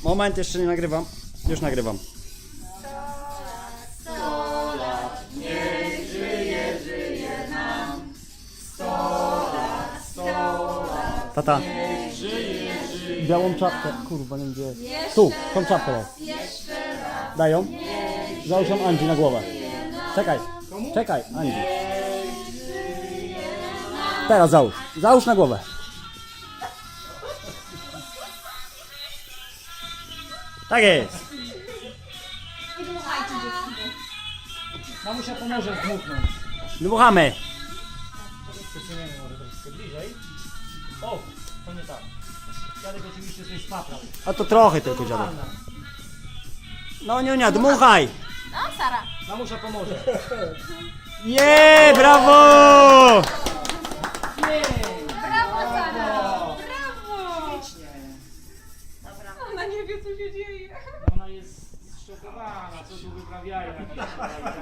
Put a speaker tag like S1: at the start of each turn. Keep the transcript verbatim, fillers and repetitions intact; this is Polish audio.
S1: Moment, jeszcze nie nagrywam. Już nagrywam. Tata. Białą czapkę. Kurwa, nie wiem gdzie. Tu, tą czapkę daj. Daj ją. Załóż ją Andzi na głowę. Czekaj. Czekaj, Andzi. Teraz załóż. Załóż na głowę. Tak jest.
S2: Mamusia pomoże zdmuchnąć.
S1: Dmuchamy.
S2: Przesuniemy może troszkę bliżej. O, to nie tak. Dziadek oczywiście coś spaprał.
S1: A to trochę tylko dziadek. No nie, nie, dmuchaj.
S3: No, Sara.
S2: Mamusia pomoże.
S1: Nie, brawo!
S3: Brawo, Sara. Brawo.
S4: Ona nie wie, co się dzieje.
S2: Ona jest zszokowana, co tu wyprawiają.